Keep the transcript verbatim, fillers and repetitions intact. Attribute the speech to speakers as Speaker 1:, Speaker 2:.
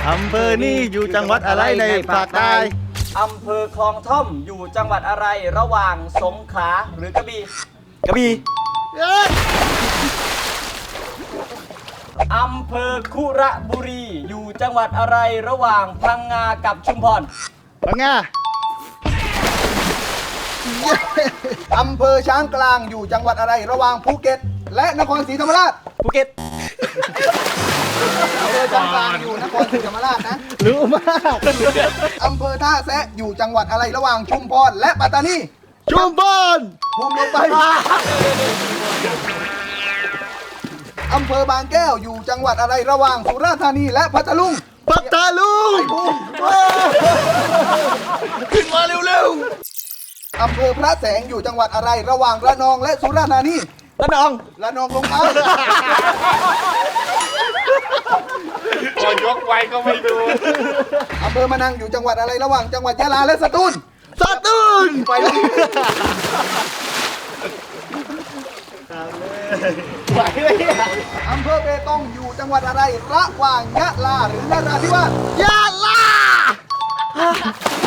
Speaker 1: อำเภอนี้อยู่จังหวัดอะไรในภาคใต้
Speaker 2: อำเภอคลองท่อมอยู่จังหวัดอะไรระหว่างสงขลาหรือกระบี่
Speaker 1: กระบี่
Speaker 2: อำเภอคุระบุรีอยู่จังหวัดอะไรระหว่างพังงากับชุมพร
Speaker 1: พังงา
Speaker 3: อำเภอช้างกลางอยู่จังหวัดอะไรระหว่างภูเก็ต และนครศรีธรรมราช
Speaker 2: ภูเก็ต
Speaker 3: อำเภอช้างกลางอยู่นครศรีธรรมราชนะ
Speaker 1: รู้มาก
Speaker 3: อำเภอท่าแซะอยู่จังหวัดอะไรระหว่างชุมพรและปัตตานี
Speaker 1: ชุมพร
Speaker 3: ภูมิลงไปอำเภอบางแก้วอยู่จังหวัดอะไรระหว่างสุราษฎร์ธานีและพัทลุง
Speaker 1: ปัตตาลุง
Speaker 3: ภูมิ
Speaker 1: ขึ้นมาเร็ว
Speaker 3: อำเภอพระแสงอยู่จังหวัดอะไรระหว่างระนองและสุราษฎร์ธานี
Speaker 2: ระนอง
Speaker 3: ระนองลงไป
Speaker 4: พอยกไว้ก็ไม่ดู
Speaker 3: อำเภอมะนังอยู่จังหวัดอะไรระหว่างจังหวัดยะลาและสตูล
Speaker 1: ๆสตูล
Speaker 3: ไปเลย
Speaker 1: ไหวไหมเนี่ย
Speaker 3: อำเภอเบตงอยู่จังหวัดอะไรระหว่างยะลาหรือนราธิวาส
Speaker 1: ยาลา